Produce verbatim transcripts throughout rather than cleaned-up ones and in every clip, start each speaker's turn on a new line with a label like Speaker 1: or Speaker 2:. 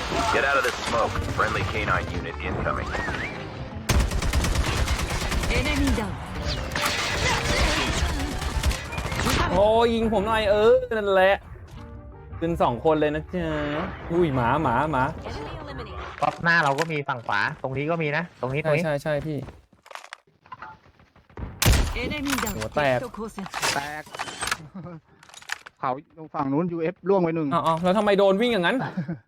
Speaker 1: Get out of this smoke. Friendly K nine unit incoming.
Speaker 2: Enemy down.
Speaker 3: โอ้ยิงผมหน่อยเออนั่นแหละขึ้นสองคนเลยนะจ๊ะอุ้ยหมาหมาหมา
Speaker 2: Enemy eliminated.
Speaker 4: รอบหน้าเราก็มีฝั่งขวาตรงนี้ก็มีนะตรงนี้ตร
Speaker 3: ใช่
Speaker 4: งนี้
Speaker 3: ใช่ใช่พี่
Speaker 2: Enemy down.
Speaker 3: หัวแตก
Speaker 2: 敵と交戦。
Speaker 5: แตก เขาฝั่งนู้น ยู เอฟ ล่วงไปหนึ่ง
Speaker 3: อ้าวแล้วทำไมโดนวิ่งอย่างนั้น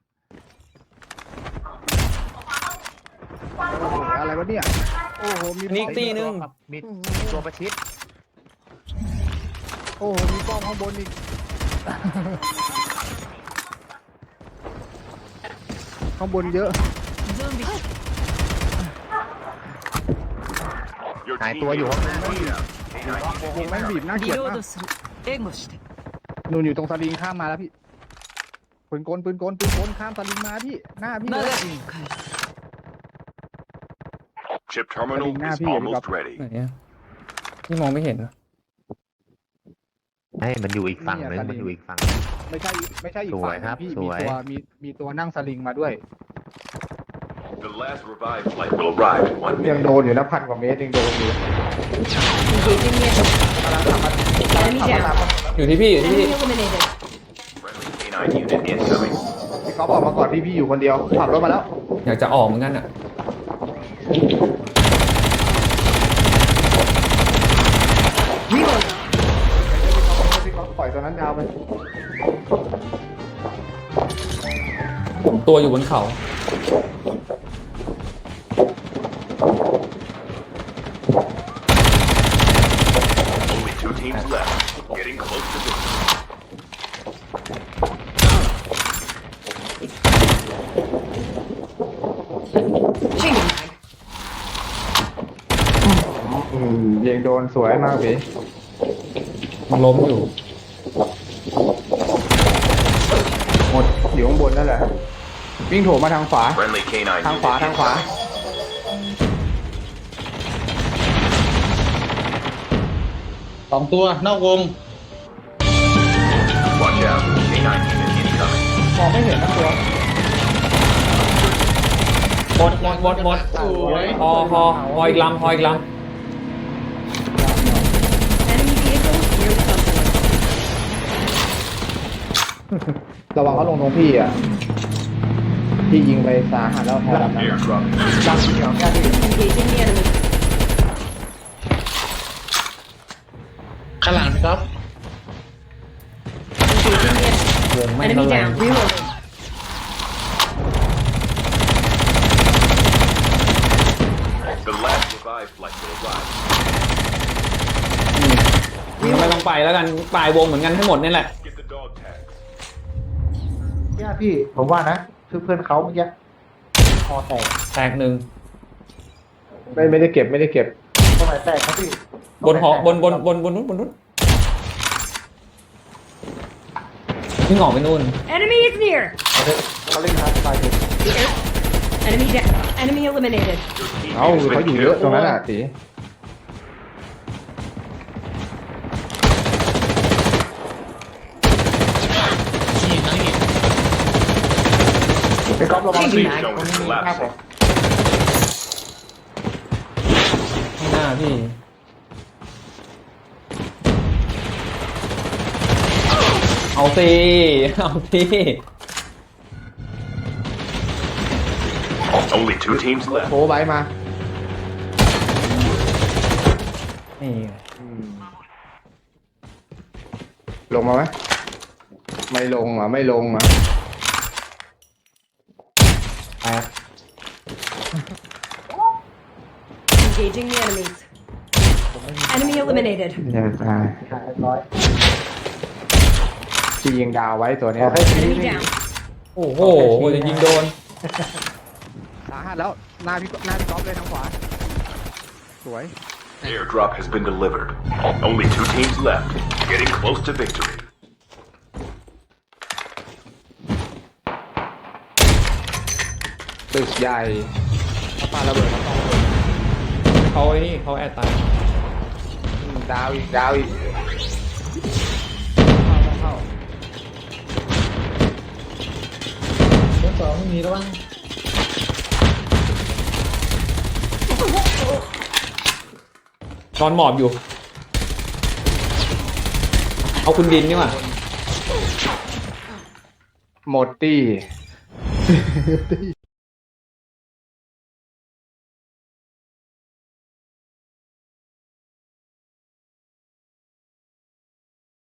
Speaker 5: อะไรวะเนี่ย โอ้โห มี
Speaker 3: นี่
Speaker 5: ป้อม
Speaker 3: ตีหนึ่ง
Speaker 4: มีมีตัวประชิด
Speaker 5: โอ้โห มีป้อมข้างบนอีก ข้างบนเยอะ
Speaker 2: Zombie.
Speaker 4: หายตัวอยู่ข้างหน้าพี่
Speaker 5: วงแม่งบีบน่าเกลียด
Speaker 2: リロー
Speaker 5: มาก
Speaker 2: ドする。援護して。
Speaker 5: นู่นอยู่ตรงสลิงข้ามมาแล้วพี่ ปืนกลปืนกลปืนกลข้ามสลิงมาพี่ หน้าพี่เลย
Speaker 2: マガジンを変える。
Speaker 1: Chip terminal
Speaker 5: Nah,
Speaker 1: is
Speaker 5: พี่
Speaker 1: almost ready.
Speaker 3: ไหนอะพี่มองไม่เห็นนะ
Speaker 4: ให้มันอยู่อีกฝั่งนึง
Speaker 5: เนี่ย
Speaker 4: มันอยู่อีกฝั่ง
Speaker 5: ไม่ใช่ ไม่ใช่อีก
Speaker 4: สว
Speaker 5: ฝั่
Speaker 4: ย
Speaker 5: ง
Speaker 4: ครั
Speaker 5: นะ
Speaker 4: บ
Speaker 5: พี่
Speaker 4: ส
Speaker 5: มี
Speaker 4: วย
Speaker 5: ตัว มี มีตัวนั่งสลิงมาด้วย
Speaker 1: The last revived flight will arrive in one
Speaker 5: ยัง
Speaker 1: minute.
Speaker 5: โดนอยู่นะพันกว่าเมตรยังโดนอยู่
Speaker 2: Engaging the enemy.
Speaker 5: กำลังขับมา
Speaker 2: Enemy down.
Speaker 3: อยู่ที่พี่อยู่ที่พี่
Speaker 2: Enemy eliminated.
Speaker 1: Friendly K nine unit incoming.
Speaker 5: พี่ก๊อฟออกมาก่อนพี่พี่อยู่คนเดียวขับรถมาแล้ว
Speaker 3: อยากจะออกเหมือนกันอ่ะ
Speaker 2: Reload.
Speaker 5: พี่ก๊อฟปล่อยตัวนั้นยาวไป
Speaker 3: ผมตัวอยู่บนเขา
Speaker 1: Only two teams left. Getting close to victory.
Speaker 2: Changing mag.
Speaker 5: อืมยิงโดนสวยมากพี่
Speaker 3: มันล้มอยู่
Speaker 5: หมดอยู่ข้างบนนั่นแหละ วิ่งโถมมาทางขวา
Speaker 1: Friendly K nine
Speaker 5: ทาง
Speaker 1: unit
Speaker 5: ขวาทางขวา
Speaker 1: incoming.
Speaker 6: สองตัวนอกวง
Speaker 1: Watch out. K nine unit incoming.
Speaker 5: มองไม่เห็นนะตัว
Speaker 3: หมดหมดหมดหมด
Speaker 6: สวย
Speaker 3: พอพอพออีกลำพออีกล
Speaker 2: Enemy vehicle near the company.
Speaker 5: ระวังเขาลงตรงพี่อ่ะ พี่ยิงไปสาหัสแล้วแพ้แล้วนะ
Speaker 1: Airdrop.
Speaker 5: ดังเดียวแค่ที่
Speaker 2: Engaging the enemy.
Speaker 6: ข้างหลังนะครับ
Speaker 2: Engaging the enemy.
Speaker 3: ำวงไม่
Speaker 2: Enemy
Speaker 3: เท่าไหร่
Speaker 2: down. Reloading.
Speaker 1: The last revived flight will arrive.
Speaker 3: ไม่ต้องไปแล้วกันปลายวงเหมือนกันให้หมดนี่แหละ
Speaker 1: Get the dog tags.
Speaker 5: เนี่ยพี่ ผมว่านะคือเพื่อนเขาเมื่อกี้คอแตก
Speaker 3: แตกหนึ่ง
Speaker 5: ไม่ไม่ได้เก็บไม่ได้เก็บตรงไหนแตกครับพี่
Speaker 3: บนหอบนบนบนบนนู้นบนนู้นนี่หงอกไปนู่น
Speaker 2: Enemy is near.
Speaker 5: เขาเล่นฮาร์ดไฟล์
Speaker 2: The air. Enemy down. Enemy eliminated.
Speaker 1: Your team
Speaker 5: เอ้า
Speaker 1: has
Speaker 5: เขา
Speaker 1: been
Speaker 5: อยู่เยอะ
Speaker 1: killed.
Speaker 5: ตรงนั้นอ่ะตีไปก๊อฟระวัง
Speaker 2: Changing
Speaker 5: พี่
Speaker 2: mag.
Speaker 5: ตรงนี้มีครับผม
Speaker 3: ข้างหน้าพี่ เอาสิเอาสิ
Speaker 1: Only two teams left.
Speaker 5: โผล่ใบมา
Speaker 3: นี่
Speaker 5: ลงมาไหมไม่ลงอ่ะไม่ลงอ่ะ
Speaker 3: แตก
Speaker 2: Engaging the enemies. Enemy eliminated.
Speaker 5: เดี๋ยวตายร้อยที่ยิงดาวไว้ตัวเนี้ย
Speaker 2: Enemy down.
Speaker 3: โอ้โหจะยิงโดน
Speaker 5: สาหัสแล้วหน้าพี่หน้าพี่ก๊อฟเลยทางขวาสวย
Speaker 1: Airdrop has been delivered. Only two teams left. Getting close to victory.
Speaker 5: ตึกใหญ่ปาระเบิดมา
Speaker 3: เขาไอ้นี่เขาแอดตาย
Speaker 5: ดาวอีกดาวอีกเข้าเข้า
Speaker 6: ไม่มีแล้วบ้าง
Speaker 3: นอนหมอบอยู่ เอาคุณดินนี่หว่า
Speaker 5: หมดตี้